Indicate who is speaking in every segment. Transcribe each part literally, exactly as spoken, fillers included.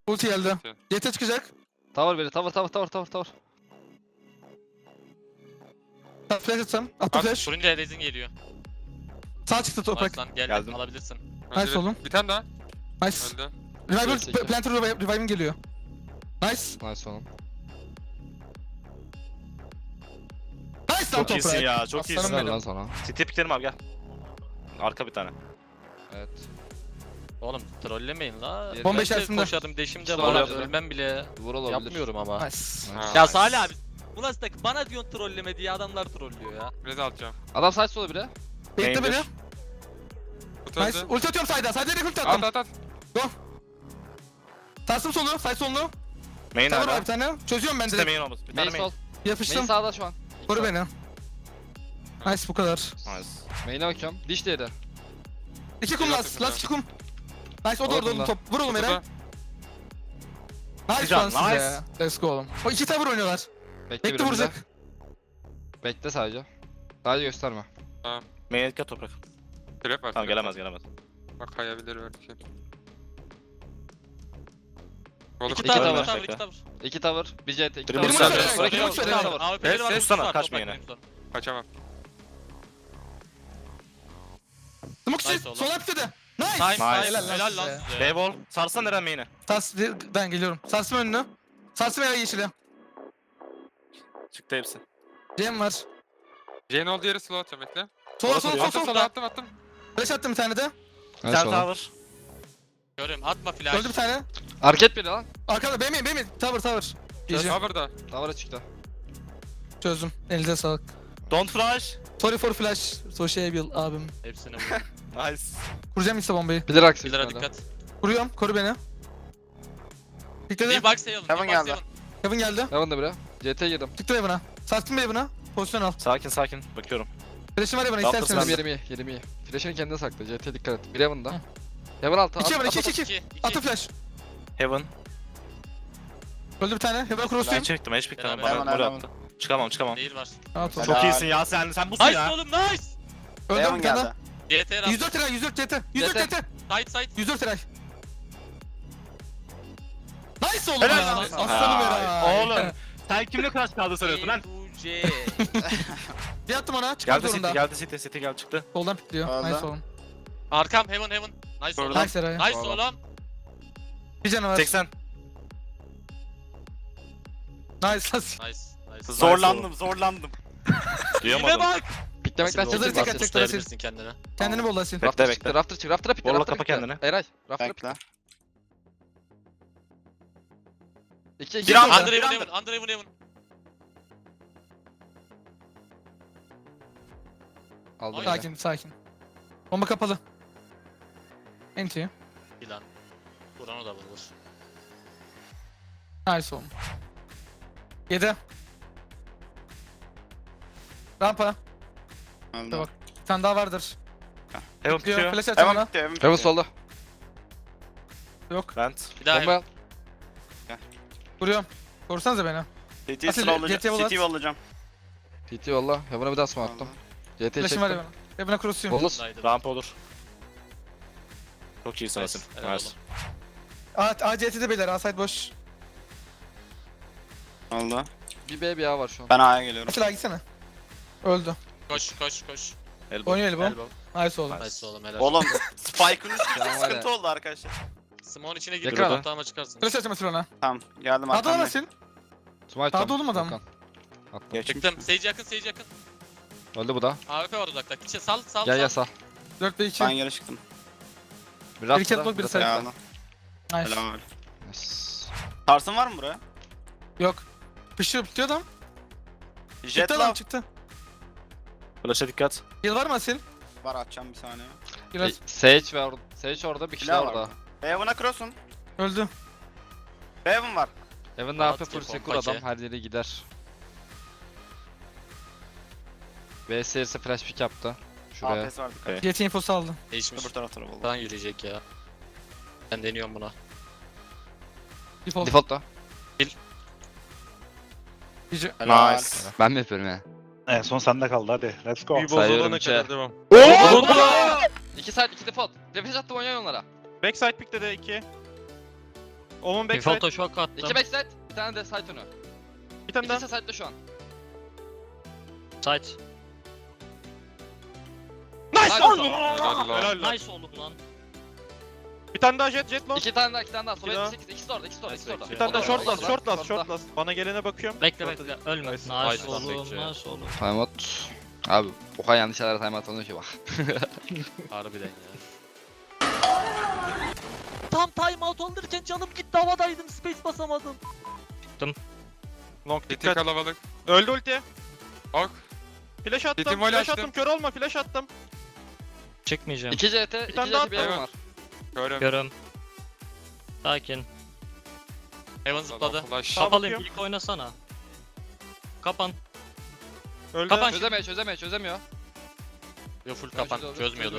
Speaker 1: Ulti geldi.
Speaker 2: Ulti.
Speaker 1: C T çıkacak.
Speaker 3: Tower biri. Tower tower tower tower tower.
Speaker 1: Sağ flash atsam. Attım
Speaker 2: At.
Speaker 1: flash.
Speaker 4: Turuncu Erez'in geliyor.
Speaker 1: Sağ çıktı toprak.
Speaker 4: Nice lan gel
Speaker 5: Geldim.
Speaker 4: alabilirsin.
Speaker 1: Nice oğlum.
Speaker 2: Bir tane daha.
Speaker 1: Nice.
Speaker 2: Öldü.
Speaker 1: Revival,
Speaker 3: Gerisi iki.
Speaker 1: Planter revive- Revive'im geliyor. Nice.
Speaker 3: Nice oğlum.
Speaker 1: Nice lan
Speaker 5: Çok iyisin
Speaker 1: toprak.
Speaker 5: ya, çok
Speaker 1: Aslanım
Speaker 5: iyisin.
Speaker 1: benim.
Speaker 3: Güzel lan sana.
Speaker 5: City piklerim abi gel. Arka bir tane.
Speaker 3: Evet.
Speaker 4: Oğlum trollemeyin la.
Speaker 3: Bomba
Speaker 4: Ben de
Speaker 1: içerisinde.
Speaker 4: koşarım deşim de
Speaker 3: İşte
Speaker 4: var.
Speaker 3: olabilir.
Speaker 4: Ölmem bile.
Speaker 3: Vur olabilir.
Speaker 4: Yapmıyorum ama.
Speaker 1: Nice.
Speaker 2: Ha.
Speaker 4: Ya Salih abi. Bu nasıl takım? Bana diyorsun trolleme diye adamlar trollüyor ya.
Speaker 2: Biraz alacağım.
Speaker 3: Adam side solu biri.
Speaker 1: Bekle
Speaker 5: Main'dir.
Speaker 1: beni.
Speaker 2: Kutu
Speaker 1: Nice.
Speaker 2: öldü.
Speaker 1: Ulti atıyorum side'a. Side'a direkt ulti
Speaker 2: At
Speaker 1: attım.
Speaker 2: at at.
Speaker 1: Sarsım solu. Side solunu.
Speaker 5: Main
Speaker 1: Tower var
Speaker 5: hala.
Speaker 1: bir tane. Çözüyorum ben
Speaker 5: İşte
Speaker 1: direkt.
Speaker 5: main olmaz. Bir
Speaker 3: Main
Speaker 5: tane
Speaker 3: sol.
Speaker 5: main.
Speaker 3: Main
Speaker 1: Yapıştım.
Speaker 3: sağda şu an.
Speaker 1: Koru beni. Nice bu kadar.
Speaker 5: Nice.
Speaker 3: Main'e bakıyorum. Diş diğeri.
Speaker 1: İki kum
Speaker 2: Biraz
Speaker 1: last.
Speaker 2: takım
Speaker 1: Last iki kum. Nice o da
Speaker 3: Orada
Speaker 1: orada oğlum
Speaker 3: da.
Speaker 1: top. Vur oğlum
Speaker 2: Kutuda.
Speaker 1: Eren. Nice
Speaker 5: Güzel,
Speaker 1: lan size.
Speaker 5: nice.
Speaker 1: Let's go oğlum. O iki tower oynuyorlar.
Speaker 3: Bekle
Speaker 1: Bekle
Speaker 3: bir önünde.
Speaker 1: vuracak.
Speaker 3: Bekle sadece. Sadece gösterme.
Speaker 5: Main etki at toprak.
Speaker 2: Trap var.
Speaker 5: Tamam
Speaker 2: trap.
Speaker 5: gelemez gelemez.
Speaker 2: Bak kayabilir belki. Kolu
Speaker 4: İki
Speaker 3: İki
Speaker 4: tavır,
Speaker 3: tower.
Speaker 4: iki tavır, iki tavır.
Speaker 3: İki tower. Bir C T. iki
Speaker 5: Biri
Speaker 3: tower.
Speaker 1: Benim
Speaker 5: Musa,
Speaker 1: ulti
Speaker 5: Musa,
Speaker 1: benim ulti benim.
Speaker 3: tower.
Speaker 4: A W P'leri var,
Speaker 5: Ses tutsana,
Speaker 4: var,
Speaker 5: kaçma
Speaker 4: toprak
Speaker 5: yine.
Speaker 4: benim son.
Speaker 2: Kaçamam.
Speaker 1: Smoke
Speaker 4: Nice
Speaker 1: sit.
Speaker 4: oğlum.
Speaker 1: Sol hapsede. Nice.
Speaker 4: Nice, nice.
Speaker 5: Nice.
Speaker 4: Helal, helal lan
Speaker 1: size.
Speaker 4: size.
Speaker 5: B-ball. Sarsan Eren main'e.
Speaker 1: Sars ben geliyorum. Sarsım önünü. Sarsım eve yeşili.
Speaker 5: Çıktı hepsi.
Speaker 1: Cem var.
Speaker 2: Jane olduğu yere slow atacağım bekle.
Speaker 1: Sola
Speaker 5: Orası
Speaker 1: sola
Speaker 5: duruyor.
Speaker 1: sola
Speaker 2: Attım
Speaker 1: sola.
Speaker 2: sola attım attım.
Speaker 1: Flash attım bir tane de.
Speaker 5: Bir
Speaker 3: Nice
Speaker 5: tane
Speaker 3: oğlum.
Speaker 5: tower.
Speaker 4: Görüyorum atma flash.
Speaker 1: Öldü bir tane.
Speaker 3: Arket biri lan.
Speaker 1: Arkada benim benim tower tower. Diyeceğim.
Speaker 2: Cover'da.
Speaker 3: Tower'a çıktı.
Speaker 1: Çözdüm. Elinize sağlık.
Speaker 5: Don't flash.
Speaker 1: Sorry for flash. Sociable abim.
Speaker 4: Hepsini vur.
Speaker 5: Nice.
Speaker 1: Kuracağım işte bombayı.
Speaker 3: Bilir aksi.
Speaker 4: Bilir'e dikkat.
Speaker 1: Kuruyorum. Koru beni. Pikledi.
Speaker 4: Bir box sayalım.
Speaker 6: Heaven
Speaker 4: bir box
Speaker 6: geldi.
Speaker 4: sayalım.
Speaker 1: Kevin geldi.
Speaker 3: Heaven da biri. C T girdim.
Speaker 1: Çıktı Evan'a. Sarstım Evan'a. Pozisyon al.
Speaker 5: Sakin sakin. Bakıyorum.
Speaker 1: Flash'im var Evan'a
Speaker 5: Yaptı
Speaker 3: Benim
Speaker 1: isterseniz.
Speaker 5: sen.
Speaker 3: yerim iyi. Yerim iyi. Flash'ını kendine sakla. C T dikkat et. Bir Heaven'da.
Speaker 1: Hı.
Speaker 3: Heaven altı.
Speaker 1: İki
Speaker 3: at-
Speaker 1: Evan.
Speaker 3: at-
Speaker 1: iki iki
Speaker 3: at-
Speaker 1: iki.
Speaker 4: İki, iki.
Speaker 1: Atı flash.
Speaker 5: Heaven.
Speaker 1: Öldü bir tane. Heaven'a
Speaker 5: Ben
Speaker 1: cross'uyum.
Speaker 5: çektim. Hiç piklemem.
Speaker 4: Beraber.
Speaker 5: Bana
Speaker 6: Hemen,
Speaker 5: gol attı. Çıkamam çıkamam.
Speaker 4: Değil var.
Speaker 1: Rahat ol.
Speaker 6: Helal.
Speaker 5: Çok iyisin ya sen. Sen busun
Speaker 4: Nice
Speaker 5: ya.
Speaker 4: oğlum nice.
Speaker 1: Öldü
Speaker 6: Heaven
Speaker 1: bir tane.
Speaker 6: geldi.
Speaker 4: C T
Speaker 1: yüz dört lira yüz dört C T. yüz dört
Speaker 3: C
Speaker 1: C
Speaker 3: T.
Speaker 1: T.
Speaker 4: Side side.
Speaker 1: yüz dört lira. Nice oğlum
Speaker 5: Helal
Speaker 1: ya.
Speaker 4: lan.
Speaker 1: Aslanım Eray.
Speaker 5: Oğlum. Sen kimle crash kaldı sanıyorsun lan?
Speaker 4: C.
Speaker 1: Bir attım ona. Çıkmak
Speaker 5: Geldi City,
Speaker 1: zorunda.
Speaker 5: geldi City, City geldi çıktı.
Speaker 1: Soldan pikliyor.
Speaker 6: Öldü.
Speaker 1: Nice oğlum.
Speaker 4: Arkam heaven heaven. Nice oğlum.
Speaker 1: Nice Eray.
Speaker 4: Nice
Speaker 3: Oğlum.
Speaker 4: oğlum.
Speaker 1: Bir canı var.
Speaker 5: seksen.
Speaker 1: Nice.
Speaker 4: Nice. Nice.
Speaker 5: Zorlandım, zorlandım.
Speaker 4: Yine
Speaker 5: Duyamadım.
Speaker 4: bak.
Speaker 3: Piklemekten
Speaker 4: Hazır
Speaker 1: Hazır
Speaker 3: çıktı.
Speaker 1: tek
Speaker 3: Rafter.
Speaker 1: atacak.
Speaker 4: Tutabilirsin kendini.
Speaker 1: Kendini bol Asil.
Speaker 5: Bekle,
Speaker 3: Rafter
Speaker 5: bekle.
Speaker 3: çıktı. Rafter çıktı. Rafter'a pikle.
Speaker 5: Borla
Speaker 3: Rafter'a
Speaker 5: kapa
Speaker 3: pikle.
Speaker 5: kendini.
Speaker 3: Eray. Rafter'a pikle.
Speaker 6: Bekle.
Speaker 3: İki iki.
Speaker 5: Bir anda.
Speaker 4: Under
Speaker 5: bir
Speaker 4: heaven
Speaker 5: anda.
Speaker 4: heaven. Under heaven heaven.
Speaker 3: Aldım.
Speaker 4: Ay.
Speaker 3: yine.
Speaker 1: Sakin sakin. Bomba kapalı. Enti.
Speaker 4: Plan. Buran o da vurur.
Speaker 1: Nice oğlum. yedi. Rampa.
Speaker 6: Öldü.
Speaker 1: Bak. Bir tane daha vardır.
Speaker 5: Heaven
Speaker 1: Diyor.
Speaker 5: tutuyor.
Speaker 1: Flash atacağım
Speaker 6: Heaven
Speaker 1: ona.
Speaker 6: bitti, Heaven
Speaker 3: Heaven
Speaker 6: bitti.
Speaker 3: solda.
Speaker 1: Yok.
Speaker 5: Vent.
Speaker 4: Bir daha
Speaker 3: Bomba
Speaker 4: heaven.
Speaker 3: al.
Speaker 1: Vuruyorum. Korsanıza beni.
Speaker 6: C T'yi
Speaker 1: Asil,
Speaker 6: slowlayacağım.
Speaker 1: C T'ye
Speaker 6: C T'yi
Speaker 1: bol at.
Speaker 6: vollayacağım.
Speaker 3: T T valla. Heaven'a bir daha smoke attım. C T'yi
Speaker 1: Flash'im var
Speaker 3: çektim.
Speaker 1: Evan'a. Evan'a cross'uyum.
Speaker 3: Bonus.
Speaker 4: Nice.
Speaker 5: Rampa olur. Çok iyisin
Speaker 4: Nice,
Speaker 5: Asil.
Speaker 4: helal
Speaker 5: Nice.
Speaker 4: oğlum.
Speaker 1: A, A C T'de beyler. A side boş.
Speaker 6: Oldu.
Speaker 3: Bir B bir A var şu an.
Speaker 6: Ben A'ya geliyorum.
Speaker 1: Asil A gitsene. Öldü.
Speaker 4: Koş koş koş.
Speaker 5: Elbow.
Speaker 1: Oynuyor Elbow.
Speaker 4: Elbow.
Speaker 1: Nice oğlum.
Speaker 4: Nice oğlum helal.
Speaker 6: Oğlum Spike'ın üstünde
Speaker 3: Tamam, hadi.
Speaker 6: sıkıntı oldu arkadaşlar.
Speaker 4: Smoke'un içine gir.
Speaker 3: Yakın.
Speaker 4: Ortağıma çıkarsın.
Speaker 1: Flash atacağım Asil ona.
Speaker 6: Tamam geldim
Speaker 1: Sağda olan
Speaker 6: arkamda.
Speaker 1: Asil.
Speaker 3: Smite
Speaker 1: Sağda
Speaker 3: tam.
Speaker 1: oğlum adam.
Speaker 3: Volkan. Attım.
Speaker 5: Geç.
Speaker 4: Çıktım. Sage yakın, Sage yakın.
Speaker 3: Öldü bu da.
Speaker 4: A W P var uzakta. İçe sal, sal,
Speaker 3: Gel gel
Speaker 4: sal.
Speaker 3: sağ.
Speaker 1: dört ve iki.
Speaker 6: Ben geri çıktım.
Speaker 3: Bir
Speaker 1: Bir
Speaker 3: Rafter'a.
Speaker 1: catwalk, bir
Speaker 3: de
Speaker 1: side.
Speaker 3: side.
Speaker 6: Geldim.
Speaker 1: Nice.
Speaker 6: Helal.
Speaker 3: Nice.
Speaker 6: Tarsın var mı buraya?
Speaker 1: Yok. Pışıyor bitiyor adam.
Speaker 6: Jet
Speaker 1: Çıktı adam
Speaker 6: love.
Speaker 1: çıktı.
Speaker 5: Flash'a dikkat.
Speaker 1: Yıl var mı Asil?
Speaker 6: Var atacağım bir saniye.
Speaker 1: Biraz.
Speaker 3: E, Sage var. Sage orada bir kişi
Speaker 6: Silah
Speaker 3: daha
Speaker 6: var
Speaker 3: orada.
Speaker 6: Heaven'a cross'un.
Speaker 1: Öldü.
Speaker 6: Heaven var.
Speaker 3: Heaven ne
Speaker 4: Rahat
Speaker 3: yapıyor? Full
Speaker 4: ki,
Speaker 3: secure
Speaker 4: pompacı.
Speaker 3: adam her yere gider. V S ise flash pick yaptı. Şuraya.
Speaker 6: A P'si var dikkat.
Speaker 5: Evet.
Speaker 1: Yeti infosu aldı.
Speaker 4: Değişmiş.
Speaker 6: Öbür tarafta da oldu.
Speaker 4: Buradan yürüyecek ya. Ben deniyorum buna.
Speaker 1: Default.
Speaker 3: Default'ta.
Speaker 1: Gece.
Speaker 6: Helal.
Speaker 5: Nice.
Speaker 3: Ben mi yapıyorum ya?
Speaker 7: En son sende kaldı hadi. Let's go.
Speaker 2: Bir
Speaker 3: Sayıyorum
Speaker 2: bozulana
Speaker 3: içe.
Speaker 2: kadar devam.
Speaker 3: İki side iki default. Refresh attım oynayın onlara.
Speaker 7: Backside pick'te de iki.
Speaker 8: Omun backside.
Speaker 4: Default'a şok attım.
Speaker 3: İki backside. Bir tane de side önü.
Speaker 8: Bir tane daha.
Speaker 3: İkisi side'da şu an.
Speaker 4: Side.
Speaker 8: Nice
Speaker 3: Nice
Speaker 8: oğlum.
Speaker 3: oğlum.
Speaker 2: Helal lan.
Speaker 8: Helal lan.
Speaker 4: Nice oğlum lan.
Speaker 8: Bir tane daha jet jet long.
Speaker 3: İki tane daha, iki tane daha.
Speaker 8: İki daha.
Speaker 3: Sola sekiz, ikisi de orada, ikisi de orada, ikisi de orada.
Speaker 8: Bir tane daha
Speaker 3: Orada,
Speaker 8: short
Speaker 3: orada,
Speaker 8: last,
Speaker 3: orada.
Speaker 8: short last,
Speaker 3: Short'ta.
Speaker 8: short last. Bana gelene bakıyorum.
Speaker 4: Bekle
Speaker 8: Short'ta
Speaker 4: bekle.
Speaker 8: değil.
Speaker 4: Ölme.
Speaker 8: Nice.
Speaker 4: Nice
Speaker 2: Nice lan
Speaker 4: oğlum.
Speaker 2: bekle.
Speaker 4: Nice oğlum.
Speaker 3: Timeout. Abi o kadar yanlış yerlere timeout alınıyor ki bak.
Speaker 2: Harbiden ya.
Speaker 4: Tam timeout alırken canım gitti, havadaydım, space basamadım.
Speaker 8: Long
Speaker 2: City
Speaker 8: dikkat.
Speaker 2: kalabalık.
Speaker 8: Öldü ulti.
Speaker 2: Ok.
Speaker 8: Flash attım,
Speaker 2: City mole
Speaker 8: flash
Speaker 2: açtım.
Speaker 8: attım. Kör olma, flash attım.
Speaker 4: Çıkmayacağım.
Speaker 3: İki C T, iki
Speaker 8: tane
Speaker 3: C
Speaker 8: daha
Speaker 3: T bir
Speaker 2: at.
Speaker 3: evim var.
Speaker 2: Körüm.
Speaker 4: Görüm. Sakin.
Speaker 2: Heaven zıpladı. Flash.
Speaker 8: Tamam.
Speaker 4: Kapalıyım.
Speaker 8: bakıyorum.
Speaker 4: İlk oynasana. Kapan.
Speaker 8: Öldü.
Speaker 4: Kapan.
Speaker 3: Çözemiyor, çözemiyor, çözemiyor.
Speaker 2: Yo full
Speaker 3: Kapan,
Speaker 2: kapan. Çözmüyordur.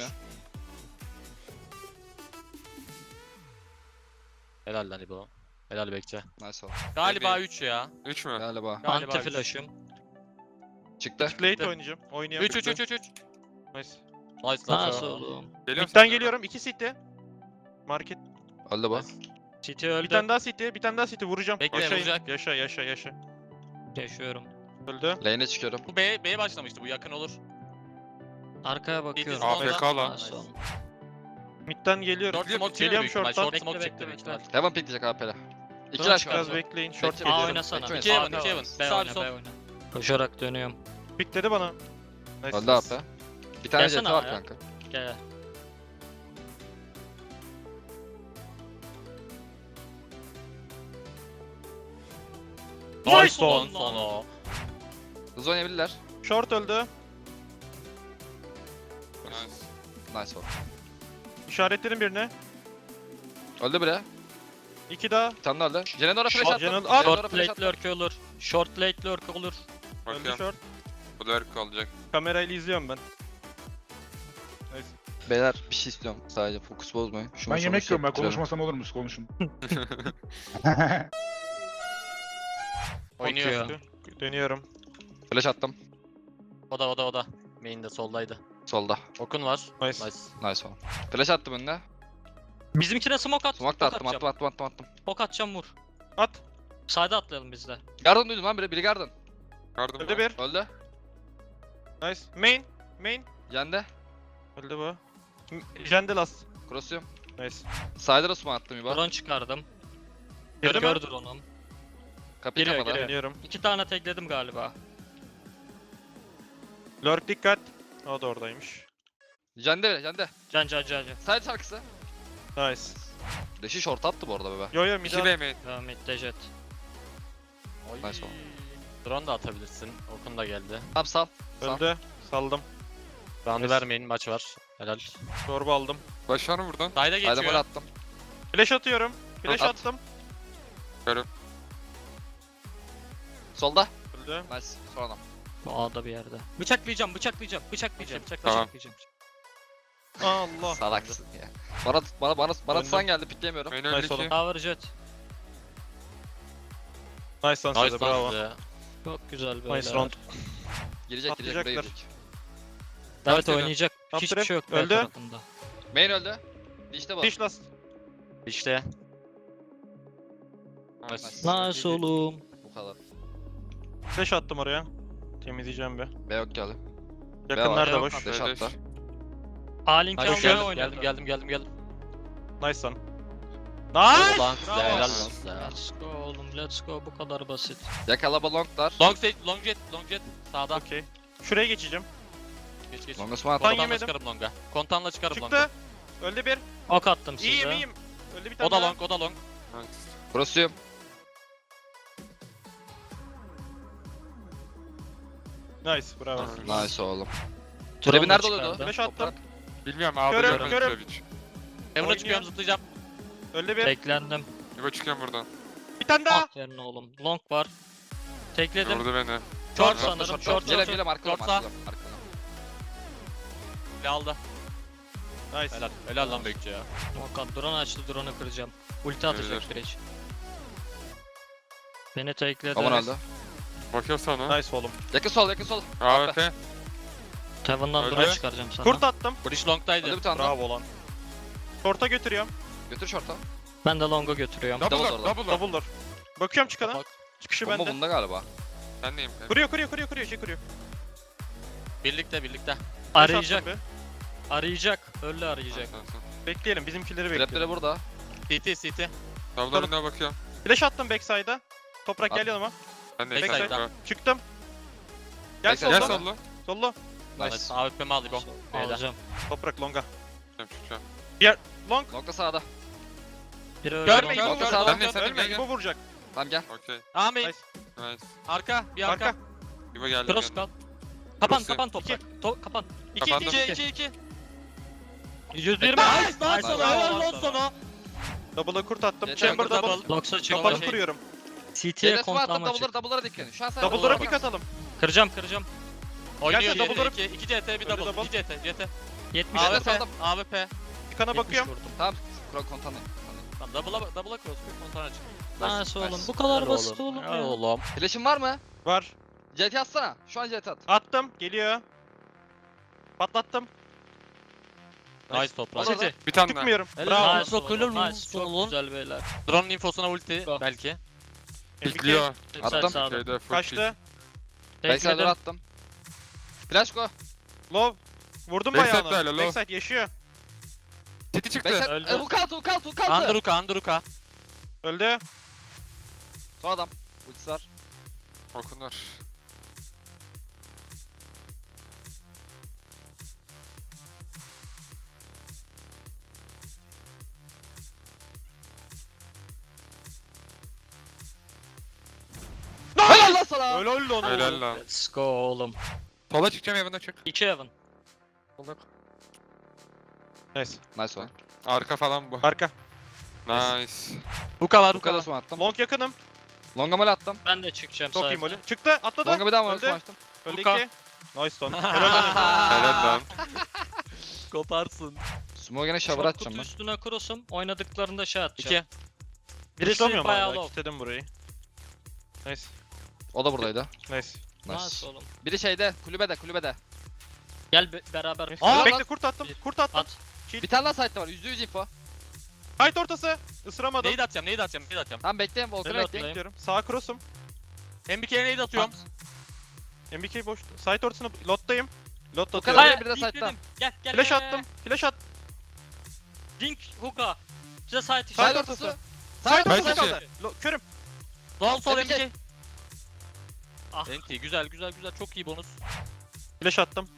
Speaker 9: Helal lan İbo. Helal bekçe.
Speaker 3: Nice oldu.
Speaker 9: Galiba üç ya.
Speaker 2: üç mü?
Speaker 3: Galiba.
Speaker 9: Galiba
Speaker 4: Anti
Speaker 9: üç.
Speaker 4: flash'ım.
Speaker 3: Çıktı.
Speaker 8: Late oynayacağım. Oynuyorum.
Speaker 9: üç üç üç üç üç.
Speaker 8: Nice.
Speaker 9: Nice lan.
Speaker 4: Nasıl oğlum?
Speaker 2: Geliyorum
Speaker 8: Mid'den
Speaker 2: sana.
Speaker 8: geliyorum. iki city. Market.
Speaker 3: Öldü bu.
Speaker 4: City öldü.
Speaker 8: Bir tane daha city. Bir tane daha city. Vuracağım.
Speaker 9: Bekle,
Speaker 8: Yaşayın.
Speaker 9: vuracak.
Speaker 8: Yaşa yaşa yaşa.
Speaker 4: Yaşıyorum.
Speaker 8: Öldü.
Speaker 3: Lane'e çıkıyorum.
Speaker 9: Bu B, B'ye başlamıştı, bu yakın olur.
Speaker 4: Arkaya bakıyorum.
Speaker 9: A F
Speaker 2: K lan.
Speaker 4: Nice oğlum.
Speaker 8: Mid'den geliyorum.
Speaker 9: Short smoke çıkıyor
Speaker 8: Geliyorum
Speaker 9: büyük ihtimal.
Speaker 8: short'tan.
Speaker 9: Short
Speaker 4: Bekle,
Speaker 9: smoke
Speaker 4: bekle,
Speaker 9: çıktı büyük
Speaker 4: bekle.
Speaker 9: ihtimal.
Speaker 3: Heaven pikleyecek A P'le. İki
Speaker 4: Dön
Speaker 3: lash
Speaker 4: çıkar.
Speaker 3: var.
Speaker 8: Biraz bekleyin. Short
Speaker 3: Bekle,
Speaker 4: A
Speaker 8: geliyorum.
Speaker 4: oynasana.
Speaker 3: Bekle,
Speaker 9: İki
Speaker 3: Sağ
Speaker 9: Heaven, iki Heaven.
Speaker 4: B
Speaker 9: Sağ
Speaker 4: oyna,
Speaker 9: sol.
Speaker 4: B oyna. Koşarak dönüyorum.
Speaker 8: Pikledi bana. Nice.
Speaker 3: Öldü A P. Bir tane C T
Speaker 4: Gelsene
Speaker 3: var
Speaker 4: ya.
Speaker 3: kanka.
Speaker 4: Gel.
Speaker 8: Nice
Speaker 9: Son
Speaker 8: oğlum.
Speaker 9: son o.
Speaker 3: Hızlı oynayabilirler.
Speaker 8: Short öldü.
Speaker 2: Nice.
Speaker 3: Nice oldu.
Speaker 8: İşaretlerin birine.
Speaker 3: Öldü biri.
Speaker 8: İki daha.
Speaker 3: Bir tane daha öldü. Jenendor'a flash
Speaker 8: Short,
Speaker 3: attım.
Speaker 8: Jenend-
Speaker 3: Jenendor'a
Speaker 4: Short
Speaker 3: flash
Speaker 4: late
Speaker 3: attım.
Speaker 4: lurk olur. Short late lurk olur.
Speaker 8: Öldü
Speaker 2: Bakıyorum.
Speaker 8: short.
Speaker 2: Bu da erk olacak.
Speaker 8: Kamerayla izliyorum ben. Nice.
Speaker 3: Beyler bir şey istiyorum sadece fokus bozmayın. Şunu
Speaker 7: Ben
Speaker 3: sonra
Speaker 7: yemek yiyorum ben
Speaker 3: hissettirelim.
Speaker 7: konuşmasam olur musun? Konuşun.
Speaker 9: Oynuyor.
Speaker 4: Bakıyor.
Speaker 8: Dönüyorum.
Speaker 3: Flash attım.
Speaker 9: O da o da o da. Main'de soldaydı.
Speaker 3: Solda.
Speaker 9: Okun var.
Speaker 8: Nice.
Speaker 9: Nice.
Speaker 3: Nice oldu. Flash attım önüne.
Speaker 4: Bizimkine smoke at.
Speaker 3: Smoke da
Speaker 4: ok
Speaker 3: attım,
Speaker 4: atacağım.
Speaker 3: attım, attım, attım, attım.
Speaker 4: Ok atacağım, vur.
Speaker 8: At.
Speaker 4: Side'a atlayalım biz de.
Speaker 3: Garden duydum lan biri, biri Garden.
Speaker 2: Yardım
Speaker 8: Öldü
Speaker 2: var.
Speaker 8: bir.
Speaker 3: Öldü.
Speaker 8: Nice. Main. Main.
Speaker 3: Yendi.
Speaker 8: Öldü bu. M- Jendelas.
Speaker 3: Cross'uyum.
Speaker 8: Nice.
Speaker 3: Side'a smoke attım İbo.
Speaker 4: Drone çıkardım.
Speaker 8: Gördün mü?
Speaker 4: Gördür onu.
Speaker 3: Kapıyı
Speaker 4: Giriyor,
Speaker 3: kapadı.
Speaker 4: giriyor.
Speaker 8: Dönüyorum.
Speaker 4: İki tane tekledim galiba.
Speaker 8: Lurk dikkat. O da oradaymış.
Speaker 3: Jende biri, Jende.
Speaker 4: Can can can can.
Speaker 3: Side şarkısı.
Speaker 8: Nice.
Speaker 3: Deşi short attı bu arada bebe.
Speaker 8: Yo yo mid
Speaker 2: iki B main.
Speaker 4: Devam et Dejet.
Speaker 3: Nice oldu.
Speaker 9: Drone da atabilirsin. Okun da geldi.
Speaker 3: Tamam sal. Sal.
Speaker 8: öldü. Saldım.
Speaker 9: Round'u
Speaker 8: Nice.
Speaker 9: vermeyin, maç var. Helal.
Speaker 8: Çorba aldım.
Speaker 2: Başlar mı buradan?
Speaker 9: Dayda
Speaker 3: Side'a mole
Speaker 9: geçiyor.
Speaker 3: attım.
Speaker 8: Flash atıyorum. Flash
Speaker 3: At.
Speaker 8: attım.
Speaker 3: Solda.
Speaker 8: Öldü.
Speaker 3: Nice. Son adam.
Speaker 4: Bu A'da bir yerde. Bıçaklayacağım, bıçaklayacağım, bıçaklayacağım.
Speaker 2: Tamam.
Speaker 4: Bıçaklayacağım.
Speaker 8: Allah.
Speaker 3: Salaksın ya. Bana bana bana bana
Speaker 8: Döndüm.
Speaker 3: tutsan geldi pikleyemiyorum.
Speaker 2: Main
Speaker 8: Nice
Speaker 2: öldü
Speaker 8: oğlum.
Speaker 2: ki.
Speaker 4: Tower jet.
Speaker 8: Nice lan
Speaker 9: Nice
Speaker 8: size bravo.
Speaker 9: lan size.
Speaker 4: Çok güzel böyle.
Speaker 8: Nice round.
Speaker 3: Girecek girecek buraya
Speaker 8: Atlayacaklar.
Speaker 3: girecek.
Speaker 4: Evet
Speaker 2: Atlayacak.
Speaker 4: oynayacak.
Speaker 8: Top
Speaker 4: Hiçbir
Speaker 8: trap.
Speaker 4: şey yok B
Speaker 8: Öldü.
Speaker 4: tarafında.
Speaker 3: Main öldü. Dişte bu.
Speaker 8: Dish last.
Speaker 9: İşte.
Speaker 2: Nice.
Speaker 4: Nice oğlum.
Speaker 3: Bu kadar.
Speaker 8: Flash attım oraya. Temizleyeceğim be.
Speaker 3: B yok geldi.
Speaker 8: Yakınlar da
Speaker 4: yok.
Speaker 8: boş.
Speaker 3: Deş attı.
Speaker 4: A-Link
Speaker 9: Nice.
Speaker 4: almaya
Speaker 9: Geldim,
Speaker 4: oynadı.
Speaker 9: geldim geldim geldim geldim.
Speaker 8: Nice lan.
Speaker 9: Nice.
Speaker 8: Nice.
Speaker 9: Lan size,
Speaker 8: Bravo.
Speaker 9: helal lan size.
Speaker 4: Let's go oğlum, let's go, bu kadar basit.
Speaker 3: Yakala balonglar.
Speaker 9: Long stage, long jet, long jet. Sağda.
Speaker 8: Okey. Şuraya geçeceğim.
Speaker 9: Geç geç.
Speaker 3: Longa smoke attım.
Speaker 8: Lan
Speaker 9: Kontanla
Speaker 8: yemedim.
Speaker 9: çıkarım longa. Kontanla çıkarım longa.
Speaker 8: Çıktı. Öldü bir.
Speaker 4: Ok attım size.
Speaker 8: İyiyim iyiyim. Öldü bir tane
Speaker 9: O da
Speaker 8: daha.
Speaker 9: long, o da long.
Speaker 2: Nice.
Speaker 3: Cross'uyum.
Speaker 8: Nice bravo.
Speaker 3: Nice oğlum.
Speaker 4: Drone'u
Speaker 3: Trebi nerede
Speaker 4: çıkardı.
Speaker 3: oluyordu?
Speaker 8: Flash attım.
Speaker 2: Bilmiyorum abi.
Speaker 8: Körüm,
Speaker 2: görmedim
Speaker 8: körüm.
Speaker 2: tabii hiç.
Speaker 9: Heaven'a
Speaker 8: Oynuyor.
Speaker 9: çıkıyorum, zıplayacağım.
Speaker 8: Öldü bir.
Speaker 4: Teklendim.
Speaker 2: İbo çıkıyorum buradan.
Speaker 8: Bir tane daha.
Speaker 4: Aferin oğlum. Long var. Tekledim.
Speaker 2: Vurdu beni.
Speaker 4: Short
Speaker 2: Short,
Speaker 4: sanırım.
Speaker 3: Short,
Speaker 4: Short
Speaker 3: short. Gele
Speaker 4: short.
Speaker 3: gele markalı
Speaker 9: Short sağ.
Speaker 3: markalı. Markalı.
Speaker 9: Ne aldı?
Speaker 8: Nice.
Speaker 9: Helal. Helal lan bekçi ya.
Speaker 4: Ok at. Drone açtı. Drone'u kıracağım. Ulti atacak
Speaker 2: Görülür.
Speaker 4: direkt. Beni tekledi.
Speaker 3: Aman öldü.
Speaker 2: Bakıyor sana.
Speaker 8: Nice oğlum.
Speaker 3: Yakın sol yakın sol.
Speaker 2: A F.
Speaker 4: Heaven'dan
Speaker 2: Öldü.
Speaker 4: drone çıkaracağım sana.
Speaker 8: Kurt attım.
Speaker 9: Bridge
Speaker 3: Öldü
Speaker 9: long'daydı.
Speaker 3: bir tane daha.
Speaker 8: Bravo lan. Short'a götürüyorum.
Speaker 3: Götür short'a.
Speaker 10: Ben de longa götürüyorum.
Speaker 2: Double
Speaker 3: Double
Speaker 2: door,
Speaker 3: door.
Speaker 2: double door.
Speaker 8: Double door. Bakıyorum çıkana.
Speaker 9: Bak.
Speaker 8: Çıkışı
Speaker 3: Bomba
Speaker 8: bende.
Speaker 3: bunda galiba.
Speaker 2: Ben neyim kanka?
Speaker 8: Kuruyor kuruyor kuruyor kuruyor şey kuruyor.
Speaker 9: Birlikte birlikte.
Speaker 8: Flash
Speaker 10: Arayacak.
Speaker 8: attım
Speaker 10: arayacak. Öyle arayacak.
Speaker 2: Sen, sen.
Speaker 8: bir. Bekleyelim bizimkileri
Speaker 3: Trapleri
Speaker 8: bekleyelim.
Speaker 3: burada.
Speaker 9: C T C T.
Speaker 2: Double önüne bakıyorum.
Speaker 8: Flash attım backside'a. Toprak
Speaker 3: At.
Speaker 8: gel yanıma.
Speaker 2: Ben de
Speaker 9: Backside'da.
Speaker 2: Backside.
Speaker 8: Çıktım. Gel
Speaker 3: Backside.
Speaker 2: Gel
Speaker 8: solda.
Speaker 2: sollu.
Speaker 8: Sollu.
Speaker 3: Nice.
Speaker 9: Evet. A W P'mi al İbo. B'de.
Speaker 10: Alacağım.
Speaker 8: Toprak longa.
Speaker 2: Çıkacağım çıkacağım.
Speaker 8: Long.
Speaker 3: Nokta sağda.
Speaker 10: Biri öyle
Speaker 9: Görme
Speaker 10: longa.
Speaker 9: İbo.
Speaker 3: Nokta
Speaker 9: Gör,
Speaker 3: sağda.
Speaker 2: Ben de sen de
Speaker 8: Ölme
Speaker 2: gel
Speaker 8: İbo
Speaker 2: gel.
Speaker 8: vuracak.
Speaker 3: Tamam gel.
Speaker 2: Okey.
Speaker 9: Amin.
Speaker 8: Nice.
Speaker 2: Nice.
Speaker 9: Arka. Bir arka.
Speaker 8: Arka.
Speaker 2: İbo geldi.
Speaker 10: Cross
Speaker 2: geldi.
Speaker 10: kal. Kapan
Speaker 2: Cross'u.
Speaker 10: kapan toprak. To kapan.
Speaker 8: İki
Speaker 2: Kapandım.
Speaker 8: iki
Speaker 9: iki
Speaker 8: iki.
Speaker 9: iki iki.
Speaker 10: yüz yirmi.
Speaker 9: Nice
Speaker 10: Nice.
Speaker 9: lan sana. Helal lan sana.
Speaker 8: Double'a kurt attım.
Speaker 3: Yeter,
Speaker 8: Chamber
Speaker 9: double.
Speaker 8: double.
Speaker 10: Locks'a çık.
Speaker 8: Kafanı
Speaker 9: Okey.
Speaker 8: kuruyorum.
Speaker 10: C T'ye
Speaker 3: C'de smoke attım.
Speaker 10: kontlama
Speaker 3: Double'lara
Speaker 10: çık.
Speaker 3: double'lara dikkat edin. Şu an sen
Speaker 8: Double'lara
Speaker 9: bak.
Speaker 8: pick atalım.
Speaker 10: Kıracağım kıracağım.
Speaker 9: Oynuyor
Speaker 8: Gel,
Speaker 9: diğeri
Speaker 8: double
Speaker 9: iki. iki C T bir
Speaker 8: Öyle
Speaker 9: double.
Speaker 8: double.
Speaker 9: iki C T. C T.
Speaker 10: yetmiş.
Speaker 3: Abi,
Speaker 9: A W P.
Speaker 3: solda.
Speaker 9: A W P.
Speaker 8: Çıkana
Speaker 10: yetmiş
Speaker 8: bakıyorum.
Speaker 10: vurdum.
Speaker 3: Tamam. Kro kontanı.
Speaker 9: Tamam double'a double'a cross. Bir kontana çık.
Speaker 10: Nice oğlum.
Speaker 3: nice.
Speaker 10: Bu kadar
Speaker 9: Helal
Speaker 10: basit oğlum
Speaker 9: Helal
Speaker 10: ya.
Speaker 9: oğlum.
Speaker 3: Flash'in var mı?
Speaker 8: Var.
Speaker 3: C T atsana. Şu an C T at.
Speaker 8: Attım. Geliyor. Patlattım.
Speaker 9: Nice toprak.
Speaker 3: Olur da.
Speaker 2: Bir tane daha.
Speaker 8: Çıkmıyorum.
Speaker 9: Helal.
Speaker 8: Bravo.
Speaker 10: Nice
Speaker 9: Çok
Speaker 10: oğlum.
Speaker 9: helal
Speaker 10: Nice.
Speaker 9: olsun
Speaker 10: Çok
Speaker 9: oğlum.
Speaker 10: güzel beyler.
Speaker 9: Drone'un infosuna ulti
Speaker 10: Go.
Speaker 9: belki.
Speaker 2: Bekliyor.
Speaker 3: Attım.
Speaker 10: Sağda.
Speaker 2: Şeyde full kill.
Speaker 8: Kaçtı.
Speaker 3: Backside'lara
Speaker 10: Tekledim.
Speaker 3: attım. Flash go.
Speaker 8: Low. Vurdum
Speaker 2: Backside
Speaker 8: bayağı
Speaker 2: böyle,
Speaker 8: onu.
Speaker 2: low.
Speaker 8: Backside yaşıyor.
Speaker 2: Titi çıktı.
Speaker 3: Backside.
Speaker 10: Öldü.
Speaker 3: E, hook altı hook altı hook altı.
Speaker 9: Andruka Andruka.
Speaker 8: Öldü.
Speaker 3: Son adam. Ultisi var.
Speaker 2: Okunlar.
Speaker 3: Helal lan sana.
Speaker 8: Öyle öldü onu.
Speaker 2: Helal lan.
Speaker 10: Let's go oğlum.
Speaker 2: Sola çıkacağım evine çık.
Speaker 10: İki Evan.
Speaker 8: Nice.
Speaker 3: Nice one.
Speaker 2: Arka falan bu.
Speaker 8: Arka.
Speaker 2: Nice.
Speaker 9: Huka var
Speaker 3: Bu
Speaker 9: Huka
Speaker 3: kadar
Speaker 9: var.
Speaker 3: smoke attım.
Speaker 8: Long yakınım.
Speaker 3: Longa mole attım.
Speaker 10: Ben de çıkacağım
Speaker 8: Çok iyi
Speaker 10: sayfa.
Speaker 8: molly. Çıktı. Atladı.
Speaker 3: Longa bir daha mole
Speaker 8: Öldü.
Speaker 3: smoke attım.
Speaker 8: Öldü
Speaker 9: Luka.
Speaker 8: iki. Nice lan. Helal lan.
Speaker 2: Helal lan.
Speaker 9: Koparsın.
Speaker 3: Smoke gene shower
Speaker 10: Short
Speaker 3: atacağım
Speaker 10: kutu
Speaker 3: ben.
Speaker 10: üstüne cross'um. Oynadıklarında şey atacağım.
Speaker 9: İki.
Speaker 10: Birisi
Speaker 8: Tutamıyorum
Speaker 10: bayağı
Speaker 8: hala.
Speaker 10: low.
Speaker 8: Kilitledim burayı. Nice.
Speaker 3: O da buradaydı.
Speaker 8: Nice.
Speaker 10: Nice
Speaker 3: Nice.
Speaker 10: oğlum.
Speaker 3: Biri şeyde, kulübede, kulübede.
Speaker 10: Gel be- beraber.
Speaker 8: Nice.
Speaker 3: Aa,
Speaker 8: Bekle
Speaker 3: lan.
Speaker 8: kurt attım.
Speaker 10: Bir.
Speaker 8: Kurt attım.
Speaker 10: At.
Speaker 3: Bir tane daha site'de var. yüzde yüz info.
Speaker 8: Hayt ortası. Isıramadım.
Speaker 9: Neyi de atacağım neyi de atacağım neyi de atacağım.
Speaker 3: Tamam bekleyin, Volkan'ı
Speaker 10: Helal
Speaker 3: bekleyin.
Speaker 8: Bekliyorum. Sağ cross'um.
Speaker 9: M B K'ye neyi de atıyorum.
Speaker 8: M B K boş. Site ortasını lottayım. Lot
Speaker 3: kadar.
Speaker 8: atıyorum.
Speaker 3: Hayır, bir de
Speaker 10: link
Speaker 3: side'dan.
Speaker 10: dedim. Gel gel.
Speaker 8: Flash
Speaker 10: gel,
Speaker 8: attım. Flash at.
Speaker 10: gel. Link hook'a. Size site
Speaker 8: Side
Speaker 3: Side
Speaker 10: işi.
Speaker 8: ortası.
Speaker 3: ortası.
Speaker 8: Side
Speaker 3: Side
Speaker 2: Side
Speaker 8: ortası
Speaker 2: içi.
Speaker 8: kaldı. Lo- Körüm.
Speaker 9: Doğal sol
Speaker 3: M
Speaker 9: M
Speaker 3: B K.
Speaker 9: B K.
Speaker 10: Ah.
Speaker 9: Enti güzel güzel güzel çok iyi bonus.
Speaker 8: Flash attım.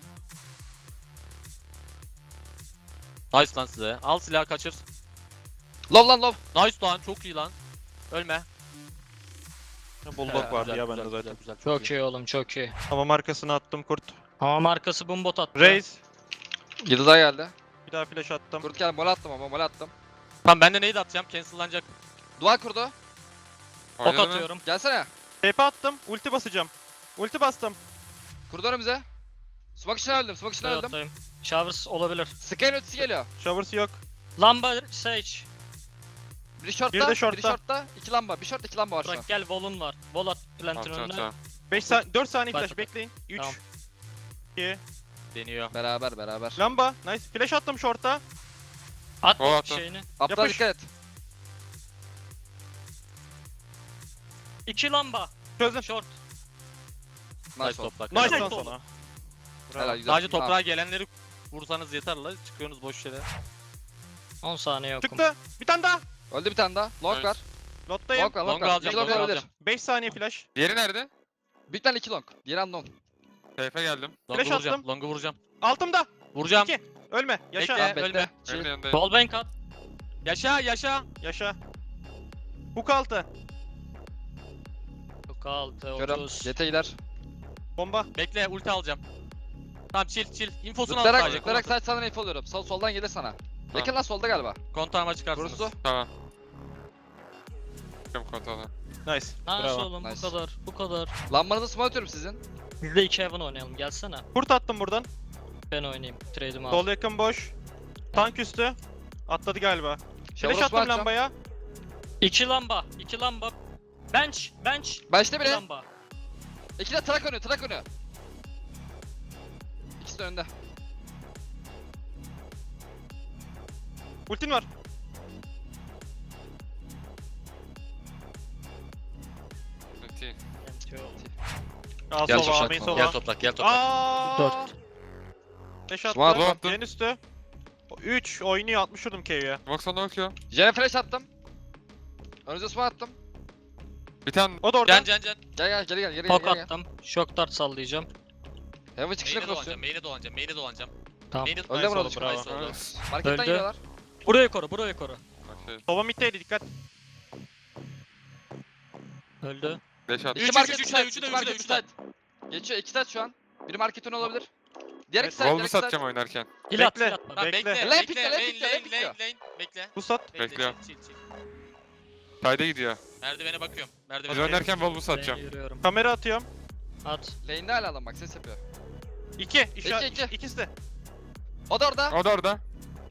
Speaker 9: Nice lan size. Al silahı kaçır.
Speaker 3: Love lan love.
Speaker 9: Nice lan çok iyi lan. Ölme.
Speaker 8: Bulldog vardı
Speaker 9: Güzel,
Speaker 8: ya
Speaker 9: güzel,
Speaker 8: bende
Speaker 9: güzel,
Speaker 8: zaten.
Speaker 9: Güzel,
Speaker 10: Çok iyi oğlum çok iyi.
Speaker 8: Ama markasını attım kurt.
Speaker 10: Ama markası bombot attı.
Speaker 8: Raze.
Speaker 3: yedi daha geldi.
Speaker 8: Bir daha flash attım.
Speaker 3: Kurt geldi, mole attım ama mole attım.
Speaker 9: Tamam ben de neyi de atacağım cancellanacak.
Speaker 3: Duvar kurdu.
Speaker 10: Ok
Speaker 2: Oynadı mı?
Speaker 10: atıyorum.
Speaker 3: Gelsene.
Speaker 8: T P attım. Ulti basacağım. Ulti bastım.
Speaker 3: Kurdu önümüze. Smoke içine öldüm, smoke içine öldüm.
Speaker 10: Atayım. Showers olabilir.
Speaker 3: Sky'ın ötesi geliyor.
Speaker 8: Showers yok.
Speaker 10: Lamba Sage.
Speaker 3: Biri shortta,
Speaker 8: Biri de
Speaker 3: biri
Speaker 8: shortta.
Speaker 3: shortta, iki lamba. Bir short, iki lamba var şu an.
Speaker 10: Bırak gel volun var. Vol at plantin
Speaker 2: Tamam tamam
Speaker 10: önüne.
Speaker 2: tamam.
Speaker 8: beş saniye dört saniye
Speaker 10: Bak,
Speaker 8: flash
Speaker 10: bak.
Speaker 8: bekleyin. üç
Speaker 10: Tamam.
Speaker 8: iki
Speaker 9: Deniyor.
Speaker 3: Beraber, beraber.
Speaker 8: Lamba. Nice. Flash attım short'a.
Speaker 10: At
Speaker 2: Vol attım.
Speaker 10: şeyini.
Speaker 3: Aptal
Speaker 8: Yapış.
Speaker 3: dikkat et.
Speaker 10: İki lamba.
Speaker 8: Çözdüm.
Speaker 10: Short.
Speaker 9: Nice
Speaker 3: Nice one.
Speaker 9: toprak.
Speaker 8: Nice
Speaker 10: Nice
Speaker 8: lan
Speaker 10: oldu.
Speaker 8: sana.
Speaker 3: Helal,
Speaker 8: Bravo.
Speaker 3: güzel.
Speaker 9: Sadece
Speaker 3: Tamam.
Speaker 9: toprağa gelenleri vursanız yeter la. Çıkıyorsunuz boş yere.
Speaker 10: on saniye yokum.
Speaker 8: Çıktı. Bir tane daha.
Speaker 3: Öldü bir tane daha. Long
Speaker 2: Nice.
Speaker 3: var.
Speaker 8: Lottayım.
Speaker 3: Long var, long
Speaker 9: Long
Speaker 3: var.
Speaker 9: alacağım,
Speaker 3: İki long
Speaker 9: long
Speaker 3: olabilir.
Speaker 9: alacağım.
Speaker 8: beş saniye flash.
Speaker 2: Diğeri nerede?
Speaker 3: Büyük tane iki long. Diğeri unknown.
Speaker 2: Seyfe geldim.
Speaker 9: Long'u
Speaker 8: Flash
Speaker 9: vuracağım.
Speaker 8: attım.
Speaker 9: Long'u vuracağım.
Speaker 8: Altımda.
Speaker 9: Vuracağım.
Speaker 8: İki. Ölme. Yaşa.
Speaker 9: Bekle.
Speaker 3: Tamam
Speaker 9: ölme.
Speaker 3: bekle. Chill.
Speaker 2: Evin yanındayım.
Speaker 10: Wall bank at.
Speaker 9: Yaşa yaşa.
Speaker 8: Yaşa. Hook altı.
Speaker 10: Yok altı
Speaker 3: Körüm.
Speaker 10: otuz.
Speaker 3: C T gider.
Speaker 8: Bomba.
Speaker 9: Bekle ulti alacağım. Tamam chill chill. Infosunu al
Speaker 3: Zıplayarak,
Speaker 9: sadece.
Speaker 3: zıplayarak side sağdan info alıyorum. Sol, soldan gelir sana. Yakın lan solda galiba.
Speaker 9: Kontağıma çıkarsınız.
Speaker 3: Kurusu.
Speaker 2: Tamam. Çıkıyorum kontrolden.
Speaker 8: Nice.
Speaker 10: Nice
Speaker 8: Bravo.
Speaker 10: oğlum
Speaker 3: Nice.
Speaker 10: bu kadar. Bu kadar.
Speaker 3: Lambanızı smoke atıyorum sizin.
Speaker 10: Biz de iki Evan oynayalım gelsene.
Speaker 8: Kurt attım buradan.
Speaker 10: Ben oynayayım. Trade'imi al.
Speaker 8: Sol yakın boş. Tank üstü. Atladı galiba.
Speaker 3: Shower
Speaker 8: Flash
Speaker 3: smoke
Speaker 8: attım
Speaker 3: atacağım.
Speaker 8: lambaya.
Speaker 10: İki lamba. iki lamba. Bench. Bench.
Speaker 3: Başta
Speaker 10: İki
Speaker 3: biri.
Speaker 10: lamba.
Speaker 3: İki de trak önü, trak önü. İkisi de önde.
Speaker 8: Ultin var.
Speaker 2: T.
Speaker 8: Al
Speaker 3: Gel
Speaker 8: sova,
Speaker 3: toprak,
Speaker 8: main
Speaker 3: gel
Speaker 8: sova.
Speaker 4: Gel toprak gel toprak.
Speaker 8: Aaa.
Speaker 10: Dört.
Speaker 8: Beş
Speaker 3: Smoke
Speaker 8: attı.
Speaker 2: attım.
Speaker 8: En üstü. üç oynuyor altmış vurdum K'ye.
Speaker 2: Bak sana bakıyor.
Speaker 3: Jene flash attım. Önünüze smoke attım.
Speaker 2: Bir tane
Speaker 8: O da orada.
Speaker 4: Can can can.
Speaker 3: Gel gel geri gel geri gel.
Speaker 10: Pok
Speaker 3: Gel, gel.
Speaker 10: attım. Shock dart sallayacağım.
Speaker 3: Heaven çıkışına
Speaker 4: Main'e
Speaker 3: cross'luyorum.
Speaker 4: dolanacağım, main'e dolanacağım, main'e dolanacağım.
Speaker 10: Tamam.
Speaker 4: Main'e
Speaker 3: Öldü
Speaker 8: Nice
Speaker 3: burada
Speaker 8: oldu,
Speaker 3: çıkıyor.
Speaker 8: bravo.
Speaker 4: Nice oldu.
Speaker 3: Marketten
Speaker 10: Öldü.
Speaker 3: geliyorlar.
Speaker 10: Buraya koru, buraya koru.
Speaker 2: Okey.
Speaker 8: Sova middeydi dikkat.
Speaker 10: Öldü.
Speaker 2: Beş attı.
Speaker 3: İki
Speaker 4: Üç,
Speaker 3: market,
Speaker 4: üç, üç,
Speaker 3: iki side,
Speaker 4: üç,
Speaker 3: iki
Speaker 4: üç,
Speaker 3: market,
Speaker 4: üç,
Speaker 3: üç side. Geçiyor iki side şu an. Biri marketin olabilir. Diğer iki side, diğer
Speaker 2: Wolves'u
Speaker 3: iki side.
Speaker 2: satacağım oynarken.
Speaker 10: Hil at,
Speaker 8: Bekle.
Speaker 10: hil at bana.
Speaker 4: Tamam
Speaker 8: Bekle.
Speaker 4: bekle,
Speaker 3: Lane
Speaker 4: bekle,
Speaker 3: pikle,
Speaker 4: lane,
Speaker 3: lane
Speaker 4: lane,
Speaker 3: pikle,
Speaker 4: lane,
Speaker 3: lane pikliyor.
Speaker 4: lane, bekle.
Speaker 8: Bu sat.
Speaker 4: Bekle,
Speaker 2: Bekliyor.
Speaker 4: chill, chill, chill.
Speaker 2: Side'e gidiyor.
Speaker 4: Merdivene bakıyorum,
Speaker 2: Biz
Speaker 4: merdivene
Speaker 2: oynarken Wolves'u
Speaker 10: Ben
Speaker 2: satacağım.
Speaker 10: yürüyorum.
Speaker 8: Kamera atıyorum.
Speaker 10: At.
Speaker 3: Lane'de hala adam bak ses yapıyor.
Speaker 8: İki. İşaret.
Speaker 3: İki, iki.
Speaker 8: İkisi de.
Speaker 3: O da orada.
Speaker 2: O da orada.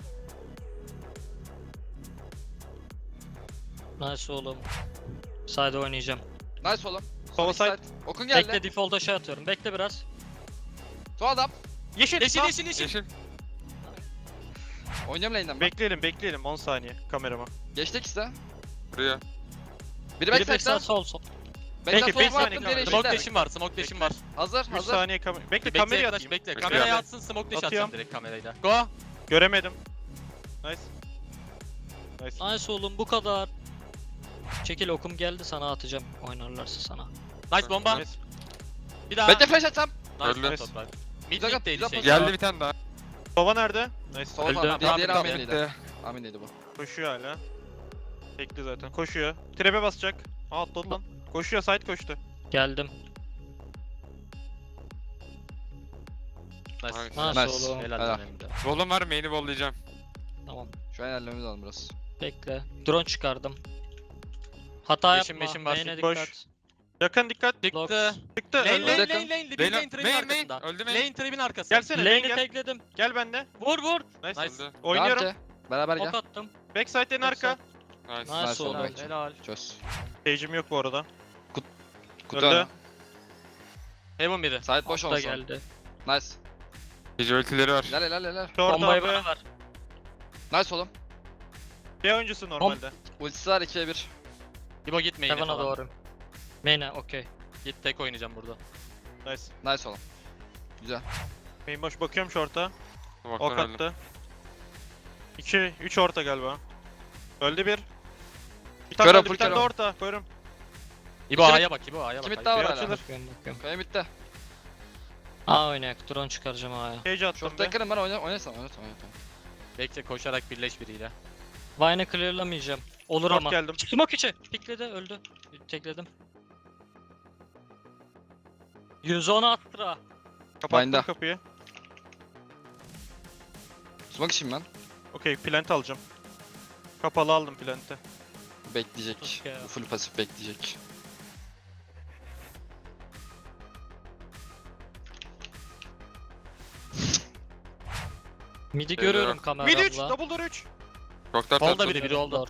Speaker 10: Nice oğlum. Side oynayacağım.
Speaker 3: Nice oğlum.
Speaker 8: Sova
Speaker 3: Son iki
Speaker 8: side.
Speaker 3: Okun geldi.
Speaker 10: Bekle default'a şey atıyorum. Bekle biraz.
Speaker 3: Son adam.
Speaker 8: Yeşil.
Speaker 4: Yeşil
Speaker 8: sağ.
Speaker 4: yeşil yeşil.
Speaker 2: Yeşil.
Speaker 3: Oynayacağım lane'den ben.
Speaker 8: Bekleyelim bekleyelim on saniye kamerama.
Speaker 3: Geçti ikisi de.
Speaker 2: Buraya.
Speaker 3: Biri
Speaker 10: Biri
Speaker 3: backside'da.
Speaker 10: backside sol sol.
Speaker 3: Backside
Speaker 8: Peki,
Speaker 3: sola
Speaker 8: beş saniye
Speaker 3: attım.
Speaker 8: kaldı.
Speaker 3: Diğeri
Speaker 4: Smoke
Speaker 3: yeşilde.
Speaker 4: dash'im var, smoke dash'im var.
Speaker 3: Hazır
Speaker 8: üç
Speaker 3: hazır.
Speaker 8: saniye kamera. Bekle
Speaker 4: Bekle,
Speaker 8: kamerayı
Speaker 4: yaklaş,
Speaker 8: atayım.
Speaker 4: bekle.
Speaker 2: Bekle.
Speaker 4: Kameraya atsın, smoke dash
Speaker 8: Atıyorum.
Speaker 4: atacağım direkt kamerayla. Go!
Speaker 8: Göremedim. Nice. Nice.
Speaker 10: Nice oğlum bu kadar. Çekil okum geldi sana atacağım. Oynarlarsa sana.
Speaker 4: Nice bomba.
Speaker 8: Nice.
Speaker 4: Bir daha.
Speaker 3: Bekle flash atsam.
Speaker 4: Nice
Speaker 2: Öldü.
Speaker 4: lan toprak. Mid
Speaker 3: Güzel yap,
Speaker 4: mid'deydi
Speaker 3: güzel
Speaker 4: şey.
Speaker 3: pozisyon.
Speaker 2: Geldi bir tane daha.
Speaker 8: Sova nerede? Nice.
Speaker 3: Sol
Speaker 10: Öldü.
Speaker 3: adam.
Speaker 4: Tamam,
Speaker 3: Diğeri
Speaker 4: tamam,
Speaker 3: Amin'liydi.
Speaker 2: Bitti.
Speaker 3: Amin'liydi bu.
Speaker 8: Koşuyor hala. Bekli zaten. Koşuyor. Trap'e basacak. Aa atladı lan. Koşuyor side koştu.
Speaker 10: Geldim.
Speaker 4: Nice.
Speaker 2: Nice.
Speaker 10: Nice,
Speaker 3: Nice.
Speaker 10: oğlum.
Speaker 4: Helal
Speaker 3: Helal.
Speaker 4: lan Emre.
Speaker 2: Wall'um var, main'i wall'layacağım.
Speaker 10: Tamam.
Speaker 3: Şu an ilerlememiz lazım biraz.
Speaker 10: Bekle. Drone çıkardım. Hata
Speaker 4: Beşim,
Speaker 10: yapma.
Speaker 4: beşim var.
Speaker 10: Main'e
Speaker 8: Koş.
Speaker 10: dikkat.
Speaker 8: Yakın dikkat.
Speaker 4: Çıktı.
Speaker 8: Çıktı.
Speaker 4: Lane
Speaker 8: öldü.
Speaker 4: lane
Speaker 3: Yakın.
Speaker 4: lane lane. Bir
Speaker 2: Lane-
Speaker 4: lane trap'in
Speaker 2: main, main.
Speaker 4: arkasında.
Speaker 2: Öldü main.
Speaker 4: Lane trap'in arkası.
Speaker 8: Gelsene main
Speaker 10: Lane'i
Speaker 8: gel.
Speaker 10: tekledim.
Speaker 8: Gel bende.
Speaker 10: Vur vur.
Speaker 8: Nice.
Speaker 4: Nice.
Speaker 2: Öldü.
Speaker 8: Oynuyorum.
Speaker 3: Devam ki. Beraber
Speaker 10: Ok
Speaker 3: gel.
Speaker 10: attım.
Speaker 8: Backside en arka.
Speaker 2: Nice.
Speaker 10: Nice
Speaker 3: Nice
Speaker 10: oğlum.
Speaker 3: oldu.
Speaker 4: Helal.
Speaker 3: Çöz.
Speaker 8: Page'im yok bu arada.
Speaker 3: Kutu
Speaker 8: Öldü.
Speaker 3: önü.
Speaker 4: Heaven biri.
Speaker 3: Side boş
Speaker 10: Da
Speaker 3: olsun.
Speaker 10: geldi.
Speaker 3: Nice.
Speaker 2: Gece ultileri var.
Speaker 3: İlerle ilerle ilerle.
Speaker 8: Short
Speaker 10: Bombayı
Speaker 8: abi.
Speaker 10: bana ver.
Speaker 3: Nice oğlum.
Speaker 8: Bir oyuncusu normalde.
Speaker 3: Ultisi var ikiye bir.
Speaker 4: İbo git main'e
Speaker 10: Heaven'a
Speaker 4: falan.
Speaker 10: doğru. Main'e okey.
Speaker 4: Git tek oynayacağım burada.
Speaker 8: Nice.
Speaker 3: Nice oğlum. Güzel.
Speaker 8: Main boş bakıyorum short'a. Ok
Speaker 2: Baktan öldüm.
Speaker 8: attı. iki, üç orta galiba. Öldü bir. Bir tane
Speaker 3: Körüm,
Speaker 8: öldü, bir
Speaker 3: full
Speaker 8: tane de
Speaker 3: körüm.
Speaker 8: orta. Koyarım.
Speaker 4: İbo
Speaker 3: Kimi-
Speaker 4: A'ya bak, İbo A'ya bak.
Speaker 3: Kimi
Speaker 4: A'ya
Speaker 3: daha
Speaker 4: bak.
Speaker 3: var
Speaker 8: Bir
Speaker 3: hala.
Speaker 8: açılır.
Speaker 10: Bakıyorum bakıyorum.
Speaker 3: Kaya bitti.
Speaker 10: Aa oynayak. Drone çıkaracağım A'ya.
Speaker 8: Page attım
Speaker 3: Short
Speaker 8: bir.
Speaker 3: yakınım ben oyna oynasam oynasam oynasam.
Speaker 4: Bekle koşarak birleş biriyle.
Speaker 10: Vine'ı clearlamayacağım. Olur
Speaker 8: Short
Speaker 10: ama.
Speaker 8: geldim.
Speaker 10: Smoke içi. Pikledi öldü. Tekledim. yüz on attıra.
Speaker 8: Kapattım
Speaker 3: Vine'da.
Speaker 8: kapıyı.
Speaker 3: Smoke işim ben.
Speaker 8: Okey plant alacağım. Kapalı aldım plant'i.
Speaker 3: Bekleyecek.
Speaker 10: Okey.
Speaker 3: Bu full pasif bekleyecek.
Speaker 10: Midi
Speaker 2: Beyler.
Speaker 10: görüyorum
Speaker 8: Mid üç,
Speaker 10: kameramla.
Speaker 8: double door üç.
Speaker 2: Çok da
Speaker 4: Solda
Speaker 2: tatlı.
Speaker 4: biri, biri oldu.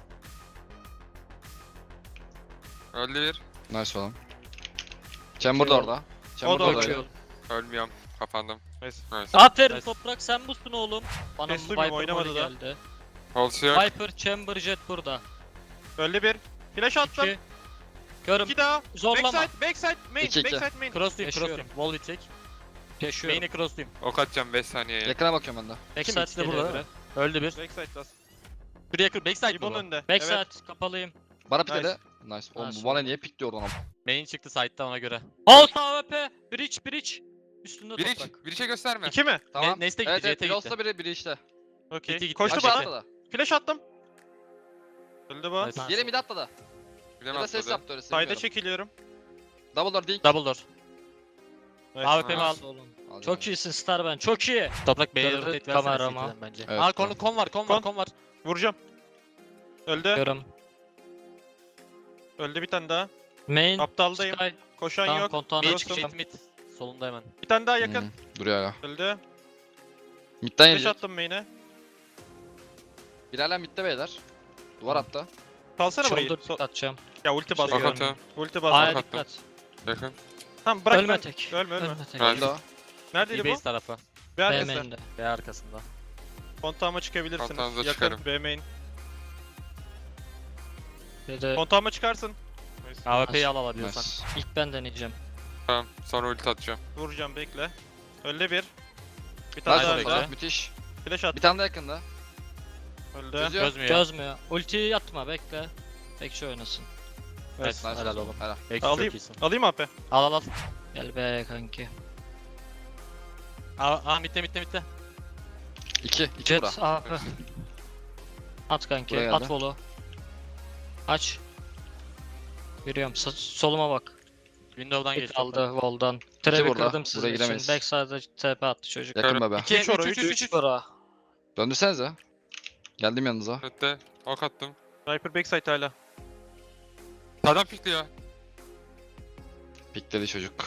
Speaker 2: Öldü bir.
Speaker 3: Nice oğlum. Chamber da orada. Chamber
Speaker 8: da
Speaker 3: da
Speaker 8: orada.
Speaker 3: orada.
Speaker 10: Bakıyorum.
Speaker 2: Ölmüyorum. Kapandım.
Speaker 8: Nice.
Speaker 2: Nice.
Speaker 10: Aferin
Speaker 4: Nice.
Speaker 10: toprak sen busun oğlum. Bana
Speaker 8: Kes
Speaker 10: Viper
Speaker 8: duymuyorum, oynamadı
Speaker 10: golü
Speaker 8: da.
Speaker 10: geldi.
Speaker 2: Pulse yok.
Speaker 10: Viper, Chamber, Jet burada.
Speaker 8: Öldü bir. Flash attım.
Speaker 10: İki. Görüm.
Speaker 8: İki daha.
Speaker 10: Zorlama.
Speaker 8: Backside, backside, main,
Speaker 3: İki, iki.
Speaker 8: backside, main.
Speaker 4: Crosslayayım,
Speaker 10: Yaşıyorum.
Speaker 4: crosslayayım. Wall bitecek.
Speaker 10: Yaşıyorum.
Speaker 4: Main'e crosslayayım.
Speaker 2: Ok atacağım beş saniyeye.
Speaker 3: Yakına bakıyorum ben de.
Speaker 10: Backside
Speaker 4: ikisi de
Speaker 10: geliyor
Speaker 4: burada.
Speaker 10: biri.
Speaker 4: Öldü bir.
Speaker 8: Backside last.
Speaker 4: Şuraya kır. Backside
Speaker 8: İbon
Speaker 4: bu.
Speaker 8: önde.
Speaker 10: Backside
Speaker 8: Evet.
Speaker 10: kapalıyım.
Speaker 3: Bana
Speaker 8: Nice.
Speaker 3: pikledi. Nice. Oğlum
Speaker 10: Nice
Speaker 3: bu bana niye pikliyor oradan?
Speaker 4: Main çıktı side'da ona göre.
Speaker 10: Alt A W P. Bridge bridge. Üstünde
Speaker 2: Biri
Speaker 10: toprak.
Speaker 2: bir şey gösterme.
Speaker 8: İki mi?
Speaker 3: Tamam.
Speaker 4: Neste gitti,
Speaker 3: Evet evet.
Speaker 4: Jet'e
Speaker 3: Biri
Speaker 4: gitti.
Speaker 3: olsa biri, biri işte.
Speaker 8: Okey.
Speaker 4: Gitti, gitti.
Speaker 8: Koştu
Speaker 3: Aşağı
Speaker 8: bana.
Speaker 3: atladı.
Speaker 8: Flash attım. Öldü bu.
Speaker 4: Nice.
Speaker 3: Diğeri mid atladı.
Speaker 2: Bilemem
Speaker 3: Ya da ses
Speaker 2: atladı.
Speaker 3: yaptı öyle
Speaker 8: Side'a
Speaker 3: sevmiyorum.
Speaker 8: çekiliyorum.
Speaker 3: Double door değil.
Speaker 4: Double door.
Speaker 8: Nice.
Speaker 4: A W P'mi al.
Speaker 10: Nice oğlum.
Speaker 3: Alacağım.
Speaker 10: Çok iyisin Star ben. Çok iyi.
Speaker 4: Toprak B'ye
Speaker 10: Gördü
Speaker 4: rotate versene
Speaker 10: kamerama.
Speaker 4: City'den bence.
Speaker 3: Evet,
Speaker 4: Aa kon,
Speaker 3: tamam.
Speaker 4: kon var, kon var,
Speaker 8: Kon.
Speaker 4: kon var.
Speaker 8: Vuracağım. Öldü.
Speaker 10: Görüm.
Speaker 8: Öldü bir tane daha.
Speaker 10: Main.
Speaker 8: Aptaldayım.
Speaker 10: Sky.
Speaker 8: Koşan
Speaker 10: Tamam
Speaker 8: yok.
Speaker 10: kontağını
Speaker 4: Mid,
Speaker 8: Cross'um.
Speaker 10: açacağım.
Speaker 4: mid, mid. Solunda hemen.
Speaker 8: Bir tane daha yakın.
Speaker 3: Hmm, duruyor hala.
Speaker 8: Öldü.
Speaker 3: Midden
Speaker 8: Flash
Speaker 3: yiyecek.
Speaker 8: attım main'e.
Speaker 3: Bir hala midde beyler. Duvar attı.
Speaker 8: Kalsana burayı.
Speaker 10: Shoulder
Speaker 8: So-
Speaker 10: pick atacağım.
Speaker 8: ya ulti
Speaker 10: Şey
Speaker 8: bas.
Speaker 2: Ok
Speaker 10: görmüyorum.
Speaker 2: atıyorum.
Speaker 8: Ulti bas.
Speaker 10: A'ya
Speaker 2: attım.
Speaker 10: dikkat.
Speaker 2: Yakın.
Speaker 8: Tamam bırak
Speaker 10: Ölme
Speaker 8: ben.
Speaker 10: tek.
Speaker 8: Ölme ölme.
Speaker 10: Ölme tek.
Speaker 2: Nice.
Speaker 3: Öldü o.
Speaker 8: Neredeydi bu?
Speaker 4: E-base tarafı.
Speaker 8: B
Speaker 10: B
Speaker 8: arkası.
Speaker 10: main'de.
Speaker 4: B arkasında.
Speaker 8: Kontağıma çıkabilirsiniz.
Speaker 2: Kontağınıza
Speaker 8: Yakın
Speaker 2: çıkarım.
Speaker 8: B main.
Speaker 10: Bir de
Speaker 8: Kontağıma çıkarsın. Nice.
Speaker 4: A W P'yi al alabiliyorsan.
Speaker 3: Nice.
Speaker 10: İlk ben deneyeceğim.
Speaker 2: Tamam. Sonra ulti atacağım.
Speaker 8: Vuracağım bekle. Öldü bir. Bir tane
Speaker 3: Nice
Speaker 8: daha
Speaker 3: oldu.
Speaker 8: öldü.
Speaker 3: Müthiş.
Speaker 8: Flash at.
Speaker 3: Bir tane de yakında.
Speaker 8: Öldü.
Speaker 3: Çözüyor.
Speaker 4: Çözmüyor.
Speaker 10: Çözmüyor. Ultiyi atma bekle. Bekçi oynasın.
Speaker 4: Evet,
Speaker 3: Nice.
Speaker 4: helal oğlum.
Speaker 3: Helal.
Speaker 4: Belki çok
Speaker 8: Alayım.
Speaker 4: iyisin.
Speaker 8: Alayım A P.
Speaker 4: Al al al.
Speaker 10: Gel be kanki.
Speaker 4: Aa, aa mitte mitte mitte.
Speaker 3: İki. İki bura.
Speaker 10: Jet A P. At kanki.
Speaker 3: Buraya
Speaker 10: At
Speaker 3: geldi.
Speaker 10: volu. Aç. Yürüyorum. Sa- soluma bak.
Speaker 4: Window'dan geç.
Speaker 10: Hit aldı voldan. Trap'i
Speaker 3: burada.
Speaker 10: kırdım sizin
Speaker 3: Buraya
Speaker 10: için.
Speaker 3: giremeyiz.
Speaker 10: Backside'a T P attı çocuk.
Speaker 3: Yakın bebe.
Speaker 4: İki,
Speaker 8: Üç ora,
Speaker 4: üç,
Speaker 8: üç,
Speaker 4: üç, üç, üç.
Speaker 10: Bura.
Speaker 3: Döndürsenize. Geldim yanınıza.
Speaker 2: Ötte. Ok attım.
Speaker 8: Sniper backside hala.
Speaker 2: Sağdan pikliyor.
Speaker 3: Pikledi çocuk.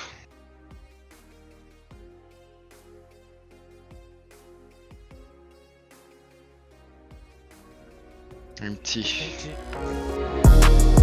Speaker 3: Müthiş.